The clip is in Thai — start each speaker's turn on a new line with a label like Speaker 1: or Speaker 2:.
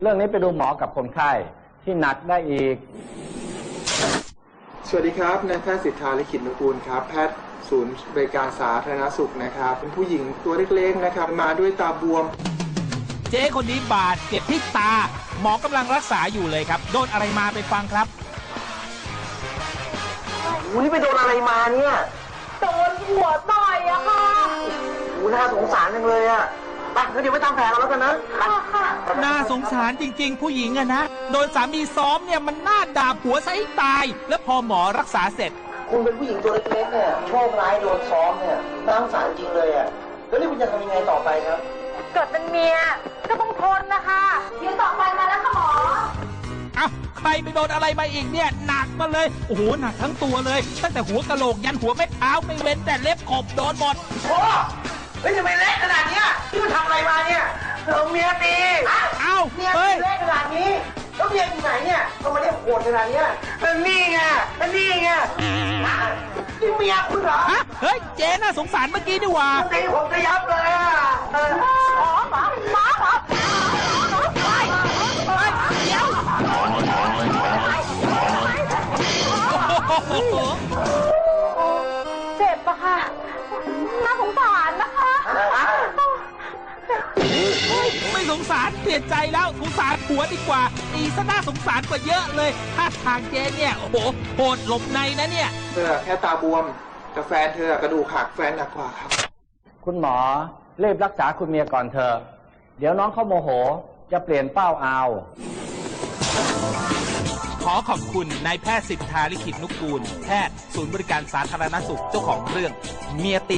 Speaker 1: เรื่องนี้ไปดูหมอกับคนไข้ที่หนักได้อีก
Speaker 2: สวัสดีครับนายแพทย์สิทธาลิขิตนุกูลครับแพทย์ศูนย์บริการสาธารณสุขนะครับเป็นผู้หญิงตัวเล็กๆนะครับมาด้วยตาบวม
Speaker 3: เจ๊คนนี้บาดเจ็บที่ตาหมอกำลังรักษาอยู่เลยครับโดนอะไรมาไปฟังครับ
Speaker 4: นี่ไปโดนอะไรมาเนี่ย
Speaker 5: โดนหัวต่อยอะค่ะ
Speaker 4: น่าสงสารจังเลยอะไปงั้นเดี๋ยวไปทำแผลกันแล้วกันนะ
Speaker 3: น่าสงสารจริงๆผู้หญิงอะนะโดนสามีซ้อมเนี่ยมันน่าด่าผัวซะให้ตายแล้วพอหมอรักษาเสร็จ
Speaker 4: คุณเป็นผู้หญิงตัวเล็กๆเนี่ยโชคร้ายโดนซ้อมเนี่ยน่าสงสารจริงเลยอะแล้วนี่คุณจะทำยังไงต่อไปครับ
Speaker 5: เกิดเป็นเมียก็ต้องทนนะคะเดี๋ยวต่อไปมาแล้วค่ะหมอ
Speaker 3: เอ้าใครไปโดนอะไรมาอีกเนี่ยหนักมาเลยโอ้โหหนักทั้งตัวเลยตั้งแต่หัวกะโหลกยันหัวแม่เท้าไม่เว้นแต่เล็บขบโดนหมด
Speaker 4: โอ้เฮ้ยทำไมเละขนาดนี้ที่คุณทำอะไรมาเนี่ยเมียตี
Speaker 3: เอ้า
Speaker 4: เมียตีเละขนาดนี้แล้วเมียอยู่ไหนเนี่ยทำไมเนี่ยโหดขนาดนี้นี่ไงนี่ไงนี่เมียคุณเหรอ
Speaker 3: เฮ้ยเจ๊น่าสงสารเมื่อกี้นี่หว่า
Speaker 4: ตีผมจะยับเลย
Speaker 5: หมอ
Speaker 3: เดี๋ยว
Speaker 5: เจ็บปะค่ะน่าสงสารนะคะ
Speaker 3: ไม่สงสารเปลี่ยนใจแล้วสงสารผัวดีกว่าตีซะน่าสงสารกว่าเยอะเลยถ้าทางเจ๊เนี่ยโอ้โหโหดหลบในนะเนี่ย
Speaker 2: เธอแค่ตาบวมแต่แฟนเธอกระดูกหักแฟนหนักกว่าครับ
Speaker 1: คุณหมอรีบรักษาคุณเมียก่อนเถอะเดี๋ยวน้องเขาโมโหจะเปลี่ยนเป้าเอา
Speaker 3: ขอขอบคุณนายแพทย์สิทธาลิขิตนุกูลแพทย์ศูนย์บริการสาธารณสุขเจ้าของเรื่องเมียติ